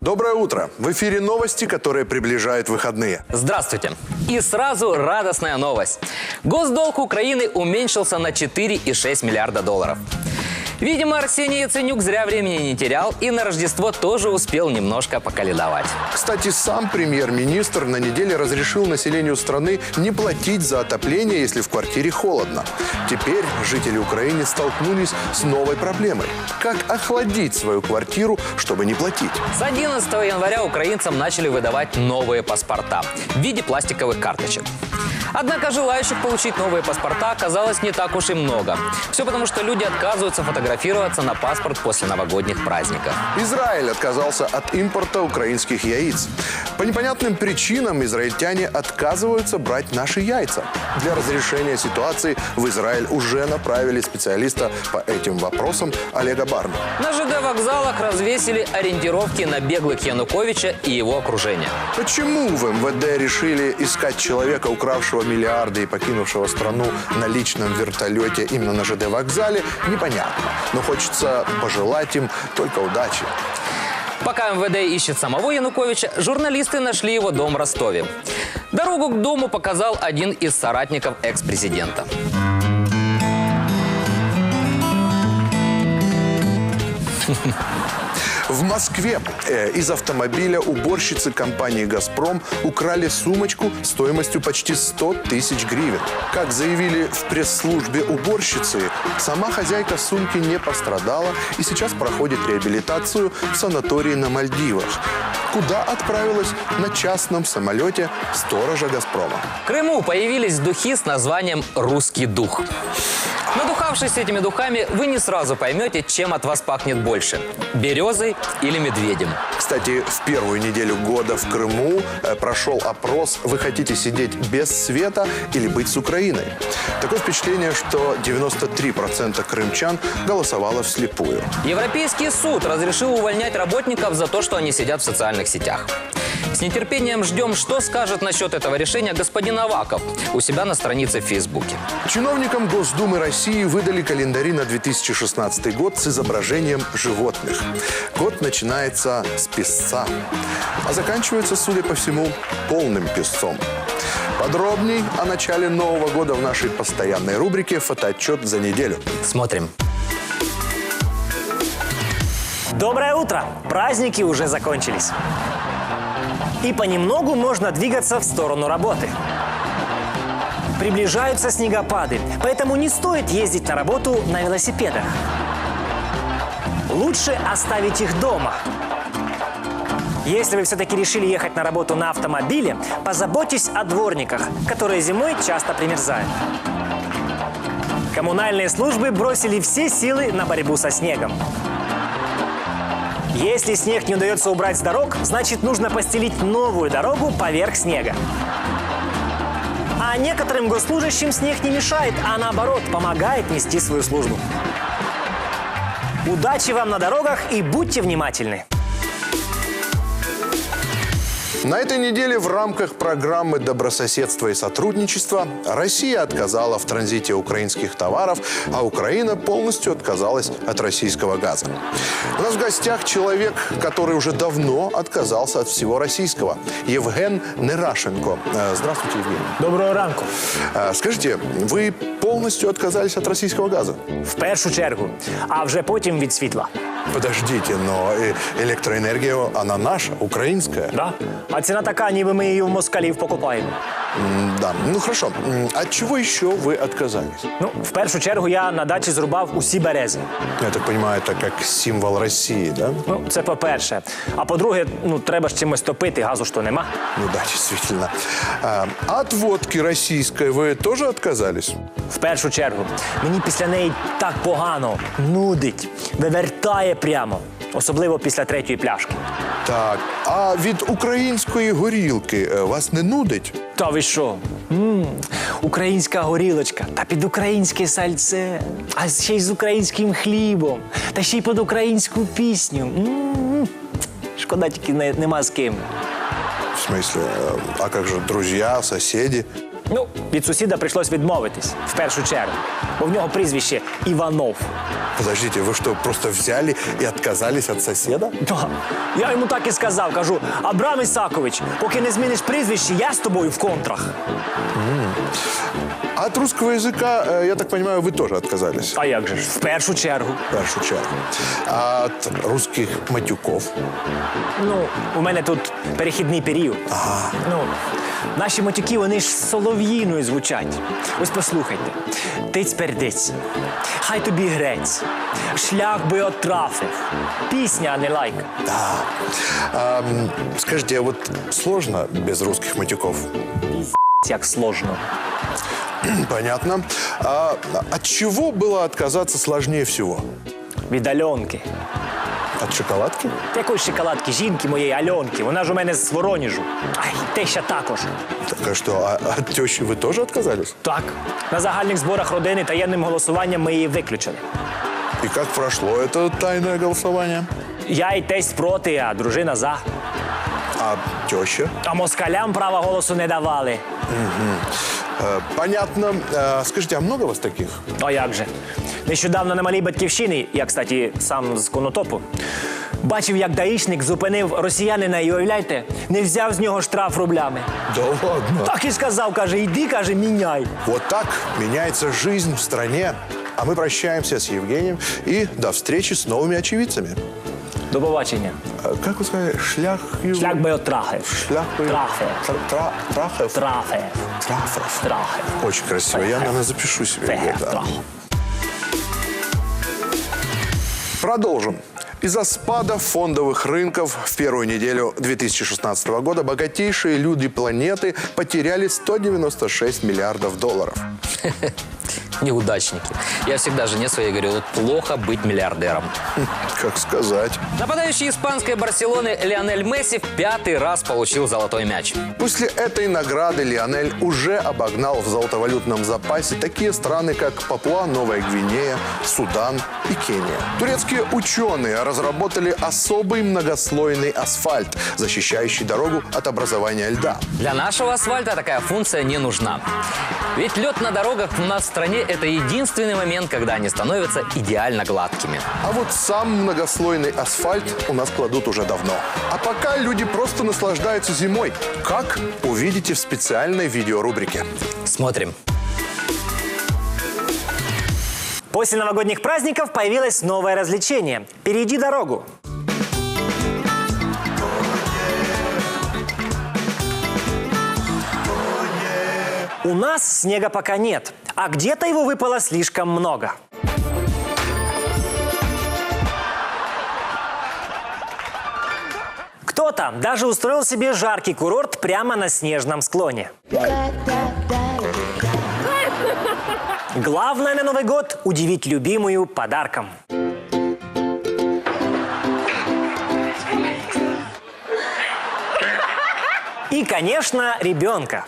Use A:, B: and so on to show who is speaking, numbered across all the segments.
A: Доброе утро. В эфире новости, которые приближают выходные.
B: Здравствуйте. И сразу радостная новость. Госдолг Украины уменьшился на 4,6 миллиарда долларов. Видимо, Арсений Яценюк зря времени не терял и на Рождество тоже успел немножко поколедовать.
A: Кстати, сам премьер-министр на неделе разрешил населению страны не платить за отопление, если в квартире холодно. Теперь жители Украины столкнулись с новой проблемой. Как охладить свою квартиру, чтобы не платить?
B: С 11 января украинцам начали выдавать новые паспорта в виде пластиковых карточек. Однако желающих получить новые паспорта оказалось не так уж и много. Все потому, что люди отказываются фотографироваться на паспорт после новогодних праздников.
A: Израиль отказался от импорта украинских яиц. По непонятным причинам израильтяне отказываются брать наши яйца. Для разрешения ситуации в Израиль уже направили специалиста по этим вопросам Олега Барну.
B: На ЖД-вокзалах развесили ориентировки на беглых Януковича и его окружения.
A: Почему в МВД решили искать человека, укравшего миллиарды и покинувшего страну на личном вертолете именно на ЖД-вокзале, непонятно. Но хочется пожелать им только удачи.
B: Пока МВД ищет самого Януковича, журналисты нашли его дом в Ростове. Дорогу к дому показал один из соратников экс-президента.
A: В Москве из автомобиля уборщицы компании «Газпром» украли сумочку стоимостью почти 100 тысяч гривен. Как заявили в пресс-службе уборщицы, сама хозяйка сумки не пострадала и сейчас проходит реабилитацию в санатории на Мальдивах, куда отправилась на частном самолете сторожа «Газпрома».
B: В Крыму появились духи с названием «Русский дух». Надухавшись этими духами, вы не сразу поймете, чем от вас пахнет больше – березой или медведем.
A: Кстати, в первую неделю года в Крыму прошел опрос «Вы хотите сидеть без света или быть с Украиной?». Такое впечатление, что 93% крымчан голосовало вслепую.
B: Европейский суд разрешил увольнять работников за то, что они сидят в социальных сетях. С нетерпением ждем, что скажет насчет этого решения господин Аваков у себя на странице в Фейсбуке.
A: Чиновникам Госдумы России выдали календари на 2016 год с изображением животных. Год начинается с песца, а заканчивается, судя по всему, полным песцом. Подробней о начале Нового года в нашей постоянной рубрике «Фотоотчет за неделю».
B: Смотрим.
C: Доброе утро! Праздники уже закончились. И понемногу можно двигаться в сторону работы. Приближаются снегопады, поэтому не стоит ездить на работу на велосипедах. Лучше оставить их дома. Если вы все-таки решили ехать на работу на автомобиле, позаботьтесь о дворниках, которые зимой часто примерзают. Коммунальные службы бросили все силы на борьбу со снегом. Если снег не удается убрать с дорог, значит, нужно постелить новую дорогу поверх снега. А некоторым госслужащим снег не мешает, а наоборот, помогает нести свою службу. Удачи вам на дорогах и будьте внимательны!
A: На этой неделе в рамках программы «Добрососедство и сотрудничество» Россия отказала в транзите украинских товаров, а Украина полностью отказалась от российского газа. У нас в гостях человек, который уже давно отказался от всего российского. Евген Нерашенко. Здравствуйте, Евгений.
C: Доброго ранку.
A: Скажите, вы полностью отказались от российского газа?
C: В першу чергу, а вже потім від світла.
A: Подождите, но электроэнергия, она наша, украинская.
C: Да? А ціна така, ніби ми її в москалів покупаємо.
A: Да, ну хорошо. От чего еще вы отказались?
C: Ну, в першу чергу я на дачі зрубав усі берези.
A: Я так понимаю, это как символ России, да?
C: Ну, це по-перше. А по-друге, треба ж чимось топити, газу ж то нема.
A: Ну да, действительно. От водки российской вы тоже отказались?
C: В першу чергу. Мені після неї так погано, нудить, вивертає прямо. Особливо після третьої пляшки.
A: Так, а від української горілки вас не нудить?
C: Та ви що? Українська горілочка, та під українське сальце, а ще й з українським хлібом, та ще й під українську пісню. Шкода, тільки нема з ким.
A: В смысле, а как же друзья, соседи?
C: Ну, від сусіда прийшлось відмовитись, в першу чергу. Бо в нього прізвище Іванов.
A: Подождите, вы что, просто взяли и отказались от соседа?
C: Да. Я йому так і сказав, кажу, Абрам Ісакович, поки не зміниш прізвище, я з тобою в контрах.
A: А от русского языка, я так понимаю, вы тоже отказались?
C: А як же ж? В першу чергу.
A: В першу чергу. А от русских матюков?
C: Ну, у мене тут перехідний період. Ну, наші матюки, вони ж солов'їною звучать. Ось послухайте. Тиць-пердиць, хай тобі грець, шлях би отрафив. Пісня, а не лайк.
A: Да. Скажите, а вот сложно без русских матюков?
C: Як сложно.
A: Понятно. А от чего было отказаться сложнее всего?
C: Від Альонки.
A: От шоколадки?
C: Якої шоколадки, жінки моєї Альонки. Вона ж у мене з Воронежу. Ай, теща також.
A: Так а что, а от тещи вы тоже отказались?
C: Так. На загальних зборах родини таємним голосуванням ми її виключили.
A: И как прошло это тайное голосование?
C: Я і тесть проти, а дружина за.
A: А теща?
C: А москалям права голосу не давали.
A: Понятно. Скажите, а много вас таких?
C: А як же? Нещодавно на малій батьківщині, я, кстати, сам з Конотопу, бачив, як даїшник зупинив росіянина і, уявляєте, не взяв з нього штраф рублями.
A: Да ладно.
C: Так і сказав, каже, йди, каже, міняй.
A: Вот так меняется жизнь в стране. А мы прощаемся с Евгением и до встречи с новыми очевидцами.
C: До побачення.
A: Как вы сказали, шлях...
C: Шлях би отрахив.
A: Шлях бы...
C: Трафе.
A: Трахев?
C: Трафе.
A: Трафов.
C: Трахе.
A: Очень красиво. Я, наверное, запишу себе.
C: Фехе.
A: Да.
C: Трахе.
A: Продолжим. Из-за спада фондовых рынков в первую неделю 2016 года богатейшие люди планеты потеряли 196 миллиардов долларов.
B: Неудачники. Я всегда жене своей говорю, вот плохо быть миллиардером.
A: Как сказать.
B: Нападающий испанской Барселоны Лионель Месси в 5-й раз получил золотой мяч.
A: После этой награды Лионель уже обогнал в золотовалютном запасе такие страны, как Папуа, Новая Гвинея, Судан и Кения. Турецкие ученые разработали особый многослойный асфальт, защищающий дорогу от образования льда.
B: Для нашего асфальта такая функция не нужна. Ведь лед на дорогах у нас в стране – это единственный момент, когда они становятся идеально гладкими.
A: А вот сам многослойный асфальт у нас кладут уже давно. А пока люди просто наслаждаются зимой. Как? Увидите в специальной видеорубрике.
B: Смотрим.
C: После новогодних праздников появилось новое развлечение. Перейди дорогу. У нас снега пока нет, а где-то его выпало слишком много. Кто-то даже устроил себе жаркий курорт прямо на снежном склоне. Главное на Новый год – удивить любимую подарком. И, конечно, ребенка.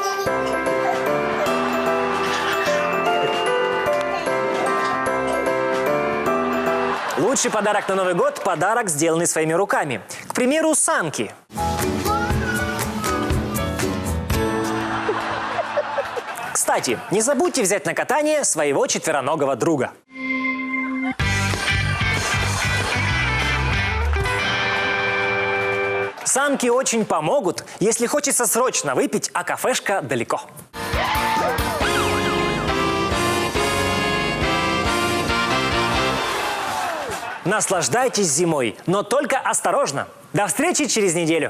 C: Лучший подарок на Новый год – подарок, сделанный своими руками. К примеру, санки. Кстати, не забудьте взять на катание своего четвероногого друга. Санки очень помогут, если хочется срочно выпить, а кафешка далеко. Наслаждайтесь зимой, но только осторожно. До встречи через неделю.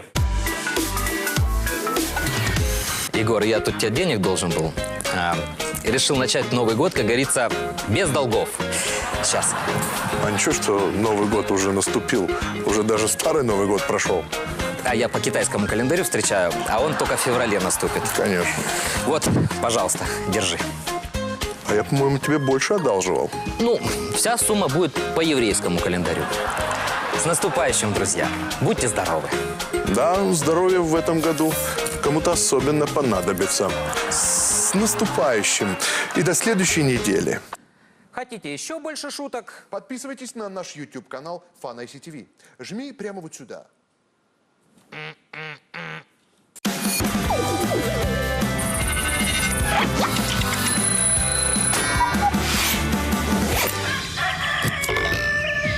B: Егор, я тут тебе денег должен был. Решил начать Новый год, как говорится, без долгов. Сейчас.
A: А ничего, что Новый год уже наступил. Уже даже старый Новый год прошел.
B: А я по китайскому календарю встречаю, а он только в феврале наступит.
A: Конечно.
B: Вот, пожалуйста, держи.
A: А я, по-моему, тебе больше одалживал.
B: Ну, вся сумма будет по еврейскому календарю. С наступающим, друзья. Будьте здоровы.
A: Да, здоровье в этом году кому-то особенно понадобится. С наступающим. И до следующей недели.
B: Хотите еще больше шуток?
A: Подписывайтесь на наш YouTube-канал Fun ICTV. Жми прямо вот сюда.